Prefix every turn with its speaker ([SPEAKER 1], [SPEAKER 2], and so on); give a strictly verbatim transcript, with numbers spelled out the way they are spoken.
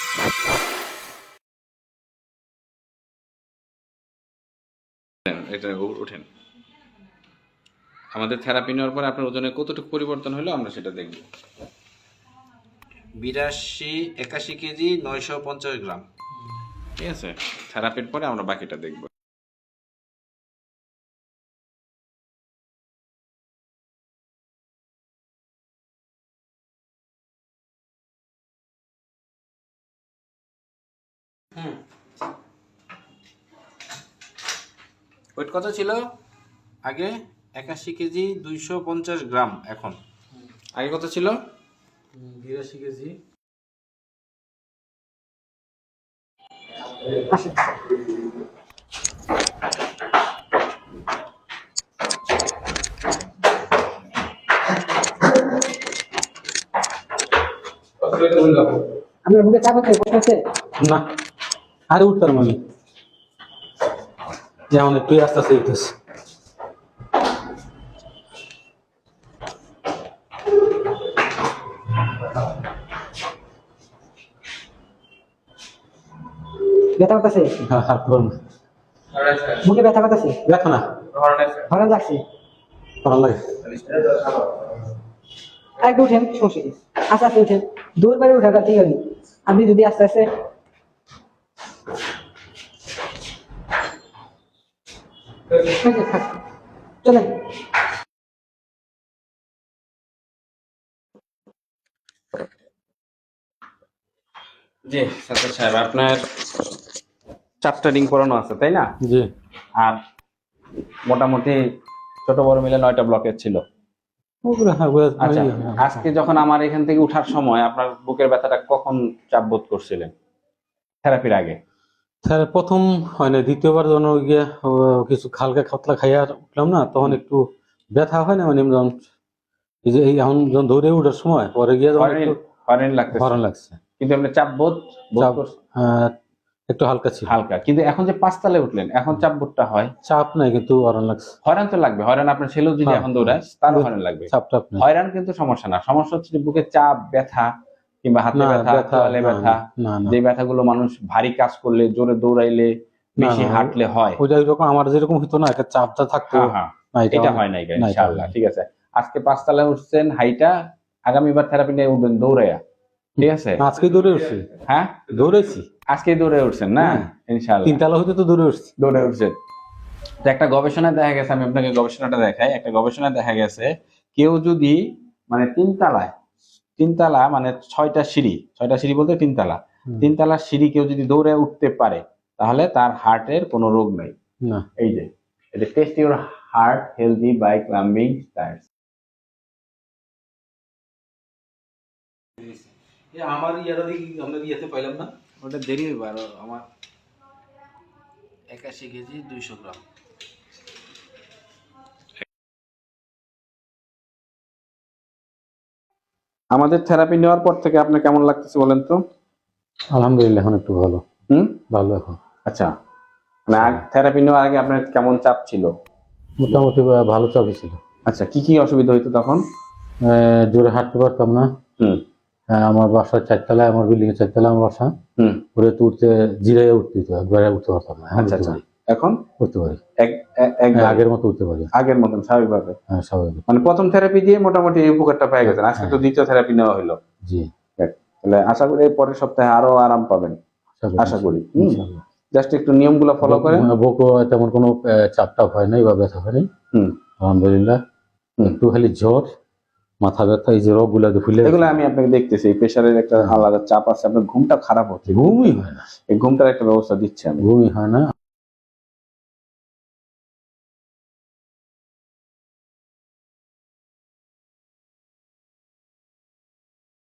[SPEAKER 1] এটা উঠেন। আমাদের থেরাপি নেওয়ার পরে আপনার ওজনে কতটুকু পরিবর্তন হলো আমরা সেটা দেখব। বিরাশি একাশি কেজি নয়শো পঞ্চাশ গ্রাম, ঠিক আছে। থেরাপির পরে আমরা বাকিটা দেখব। হুম, ওয়েট কত ছিল আগে? একাশি কেজি দুইশো পঞ্চাশ গ্রাম। এখন আগে কত ছিল?
[SPEAKER 2] বিরাশি কেজি।
[SPEAKER 3] আপনার বুকে চাপ আছে, কষ্ট আছে?
[SPEAKER 2] না, আরে উঠতাম আমি, যেমন একটু আস্তে আস্তে উঠতেছে।
[SPEAKER 3] ব্যথা করতেছে?
[SPEAKER 2] হ্যাঁ, হাত ধরুন।
[SPEAKER 3] মুখে ব্যথা করতেছে?
[SPEAKER 2] ব্যথা না,
[SPEAKER 3] ভালো লাগছে?
[SPEAKER 2] ভালো লাগে।
[SPEAKER 3] আর একটু উঠেন, সমস্যা কি? আস্তে আস্তে উঠেন, দূর বাড়ি উঠাটা ঠিক আছে। আপনি যদি আস্তে আস্তে চলেন।
[SPEAKER 1] জি সাত্তার সাহেব, আপনার চারটা রিং করানো আছে তাই না?
[SPEAKER 2] জি।
[SPEAKER 1] আর মোটামুটি ছোট বড় মিলে নয়টা ব্লকের ছিল। আচ্ছা, আজকে যখন আমার এখান থেকে উঠার সময় আপনার বুকের ব্যথাটা কখন চাপ বোধ করছিলেন থেরাপির আগে?
[SPEAKER 2] স্যার প্রথম হয় না, দ্বিতীয়বার যখন ওই গিয়ে কিছু হালকা খাতলা খাইয়া উঠলাম না, তখন একটু ব্যথা হয় না, মানে যখন এই যে এই এখন যখন দৌড়ে উঠার সময় পরে গিয়ে যখন একটু
[SPEAKER 1] হরেন লাগছে,
[SPEAKER 2] হরণ লাগছে,
[SPEAKER 1] কিন্তু আপনি চাপ বোধ
[SPEAKER 2] চাপ একটু হালকা ছিল,
[SPEAKER 1] হালকা। কিন্তু এখন যে পাঁচতলায় উঠলেন, এখন চাপ বোধটা হয়?
[SPEAKER 2] চাপ নাই, কিন্তু হরণ লাগছে।
[SPEAKER 1] হয়রান তো লাগবে, হয়রান আপনার ছেলেও যদি এখন দৌড়ায় তারও হয়রান লাগবে।
[SPEAKER 2] চাপ টাপ নাই,
[SPEAKER 1] হয়রান কিন্তু সমস্যা না। সমস্যা হচ্ছে যে বুকে চাপ, ব্যথা কিংবা হাতে ব্যথা, তোয়ালে ব্যথা, যে ব্যথাগুলো মানুষ ভারী কাজ করলে, জোরে দৌড়াইলে, বেশি হাঁটলে হয়।
[SPEAKER 2] ওইটা এরকম আমার যেরকম হতো না, একটা চাপটা থাকতো।
[SPEAKER 1] হ্যাঁ, এটা হয় নাই ইনশাআল্লাহ। ঠিক আছে, আজকে পাঁচতলায় উঠছেন, হাইটা আগামীবার থেরাপি নিয়ে উঠবেন দৌড়াইয়া, ঠিক আছে?
[SPEAKER 2] আজকে দৌড়ে উঠছি।
[SPEAKER 1] হ্যাঁ,
[SPEAKER 2] দৌড়েছি
[SPEAKER 1] আজকে দৌড়ে উঠছেন না? ইনশাআল্লাহ
[SPEAKER 2] তিনতলা হইতে তো দৌড়ে উঠছি।
[SPEAKER 1] দৌড়ে উঠছেন। তো একটা গবেষণায় দেখা গেছে, আমি আপনাকে গবেষণাটা দেখাই। একটা গবেষণায় দেখা গেছে, কেউ যদি মানে তিনতলায় তিনতলা মানে ছয়টা সিঁড়ি, ছয়টা সিঁড়ি বলতে তিনতলা, তিনতলা সিঁড়ি কেউ যদি দৌড়ে উঠতে পারে, তাহলে তার হার্টের কোনো রোগ নাই।
[SPEAKER 2] না,
[SPEAKER 1] এই যে এটা test your heart healthy by climbing stairs.
[SPEAKER 2] আমার ইয়াটা দেখি আমরা ইয়েতে পাইলাম না,
[SPEAKER 1] ওটা দেরি হইব আরো। আমার একাশি কেজি দুইশো গ্রাম। আমাদের থেরাপি নেওয়ার পর থেকে আপনার কেমন লাগতেছে বলেন তো?
[SPEAKER 2] আলহামদুলিল্লাহ, এখন একটু ভালো।
[SPEAKER 1] হুম,
[SPEAKER 2] ভালো এখন।
[SPEAKER 1] আচ্ছা, মানে থেরাপি নেওয়ার আগে আপনার কেমন চাপ ছিল?
[SPEAKER 2] মোটামুটি ভালো চাপই ছিল।
[SPEAKER 1] আচ্ছা, কি কি অসুবিধা হইতো তখন?
[SPEAKER 2] জোরে হাঁটতে পারতাম না।
[SPEAKER 1] হুম,
[SPEAKER 2] আমার বাসার চারতলায়, আমার বিল্ডিং এর চারতলায় আমার বাসা।
[SPEAKER 1] হুম,
[SPEAKER 2] ঘুরে তো উঠতে জিরাইয়া উঠতে হতো, একবারে উঠতে পারতাম না।
[SPEAKER 1] আচ্ছা আচ্ছা, এখন
[SPEAKER 2] উঠতে পারি, আগের মতো উঠতে পারি,
[SPEAKER 1] আগের মতন স্বাভাবিকভাবে।
[SPEAKER 2] হ্যাঁ, স্বাভাবিক।
[SPEAKER 1] মানে প্রথম থেরাপি দিয়ে মোটামুটি এই উপকারটা পেয়ে গেছেন, আজকে তো দ্বিতীয় থেরাপি নেওয়া হলো।
[SPEAKER 2] জি,
[SPEAKER 1] তাহলে আশা করি পরের সপ্তাহে আরো আরাম পাবেন, আশা করি। জাস্ট একটু নিয়মগুলো ফলো করেন।
[SPEAKER 2] বুকও তেমন কোনো চাপ টাপ হয় নাই বা ব্যথা হয় নাই। হুম, আলহামদুলিল্লাহ। একটু খালি জ্বর, মাথা ব্যথা, এই যে রোগ গুলা ফুলে,
[SPEAKER 1] এগুলো আমি আপনাকে দেখতেছি। প্রেশারের একটা আলাদা চাপ আছে, আপনার ঘুমটা খারাপ হচ্ছে,
[SPEAKER 2] ঘুমই হয় না।
[SPEAKER 1] এই ঘুমটার একটা ব্যবস্থা দিচ্ছি আমি।
[SPEAKER 2] ঘুমই হয় না।